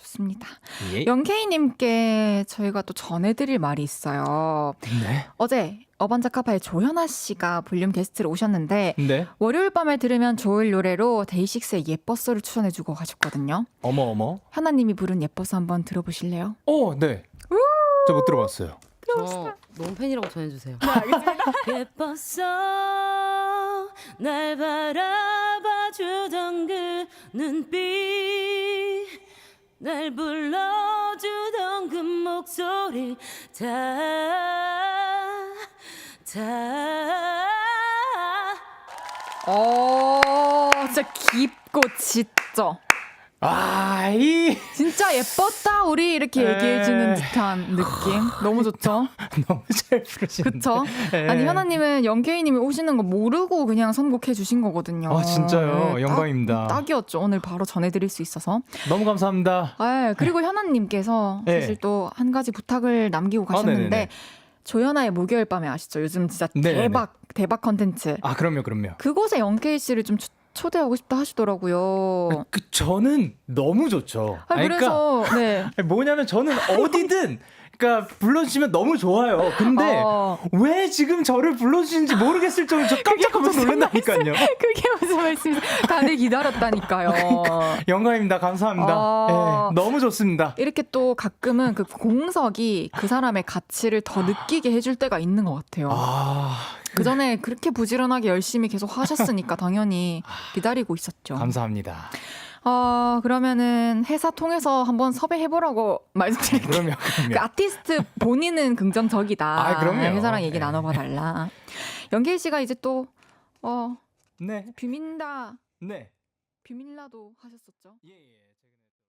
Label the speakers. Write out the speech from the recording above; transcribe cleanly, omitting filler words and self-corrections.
Speaker 1: 좋습니다.
Speaker 2: 예.
Speaker 1: 영케이님께 저희가 또 전해드릴 말이 있어요.
Speaker 2: 네.
Speaker 1: 어제 어반자카파의 조현아 씨가 볼륨 게스트로 오셨는데
Speaker 2: 네.
Speaker 1: 월요일 밤에 들으면 좋을 노래로 데이식스의 예뻐서를 추천해주고 가셨거든요.
Speaker 2: 어머.
Speaker 1: 현아님이 부른 예뻐서 한번 들어보실래요?
Speaker 2: 네. 저 못 들어봤어요.
Speaker 3: 저 너무 팬이라고 전해주세요.
Speaker 1: 네, 알겠습니다.
Speaker 3: 예뻤어 날 바라봐주던 그 눈빛 날 불러주던 그 목소리
Speaker 1: 진짜 깊고 짙죠. 진짜 예뻤다 우리 이렇게 얘기해주는 듯한 느낌. 너무 좋죠?
Speaker 2: 너무 잘 부르시는데.
Speaker 1: 그쵸? 아니 현아님은 영케이님이 오시는 거 모르고 그냥 선곡해 주신 거거든요.
Speaker 2: 아 진짜요?
Speaker 1: 네,
Speaker 2: 영광입니다.
Speaker 1: 딱이었죠. 오늘 바로 전해드릴 수 있어서.
Speaker 2: 너무 감사합니다.
Speaker 1: 그리고 현아님께서
Speaker 2: 네.
Speaker 1: 사실 또 한 가지 부탁을 남기고 가셨는데
Speaker 2: 네네네.
Speaker 1: 조연아의 목요일 밤에 아시죠? 요즘 진짜
Speaker 2: 네네네.
Speaker 1: 대박 컨텐츠.
Speaker 2: 그럼요.
Speaker 1: 그곳에 영케이 씨를 좀 초대하고 싶다 하시더라고요.
Speaker 2: 저는 너무 좋죠.
Speaker 1: 그래서 네.
Speaker 2: 뭐냐면 저는 어디든 그러니까 불러주시면 너무 좋아요. 근데 왜 지금 저를 불러주시는지 모르겠을 정도로 저 깜짝 놀란다니까요.
Speaker 1: 그게 무슨 말씀이세요? 다들 기다렸다니까요.
Speaker 2: 영광입니다. 감사합니다. 네, 너무 좋습니다.
Speaker 1: 이렇게 또 가끔은 그 공석이 그 사람의 가치를 더 느끼게 해줄 때가 있는 것 같아요. 그 전에 그렇게 부지런하게 열심히 계속 하셨으니까 당연히 기다리고 있었죠.
Speaker 2: 감사합니다.
Speaker 1: 그러면은 회사 통해서 한번 섭외해보라고 말씀드릴게요.
Speaker 2: 그럼요.
Speaker 1: 그 아티스트 본인은 긍정적이다.
Speaker 2: 그럼요.
Speaker 1: 회사랑 얘기
Speaker 2: 네.
Speaker 1: 나눠봐달라. 연길 씨가 이제 또
Speaker 2: 네.
Speaker 1: 비민다
Speaker 2: 네.
Speaker 1: 비밀라도 하셨었죠.
Speaker 2: 예.